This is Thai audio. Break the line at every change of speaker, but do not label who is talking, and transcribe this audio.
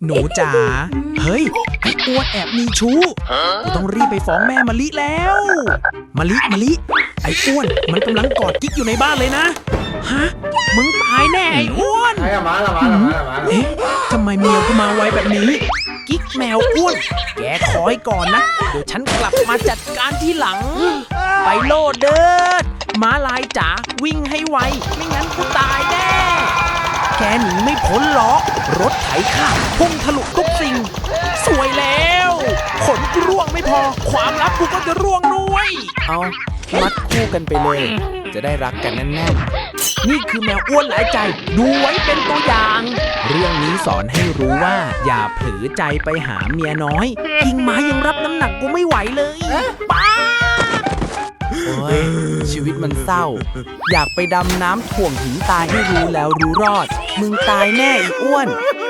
หนูจ๋าเฮ้ยไอ้อ้วนแอบมีชู้กูต้องรีบไปฟ้องแม่มะลิแล้วมะลิไอ้อ้วนมันกำลังกอดกิ๊กอยู่ในบ้านเลยนะฮะมึงตายแน่ไอ้อ้วนเอ๊ะทำไมเมียกูมาไวแบบนี้กิ๊กแมวอ้วนแกคอยก่อนนะเดี๋ยวฉันกลับมาจัดการทีหลังไปโลดเด้อม้าลายจ๋าวิ่งให้ไวไม่งั้นกูตายแน่แกหนีไม่พ้นหรอกรถไถข้าวพุ่งทะลุทุกสิ่งสวยแล้วขนกูร่วงไม่พอความลับกูก็จะร่วงด้วยเอามัดคู่กันไปเลยจะได้รักกันแน่นๆนี่คือแมวอ้วนหลายใจดูไว้เป็นตัวอย่าง เรื่องนี้สอนให้รู้ว่าอย่าเผลอใจไปหาเมียน้อยกิ่งไม้ยังรับน้ำหนักกูไม่ไหวเลยป้าโอ้ยชีวิตมันเศร้าอยากไปดำน้ำถ่วงถึงตายให้รู้แล้วรู้รอดมึงตายแน่อีอ้วน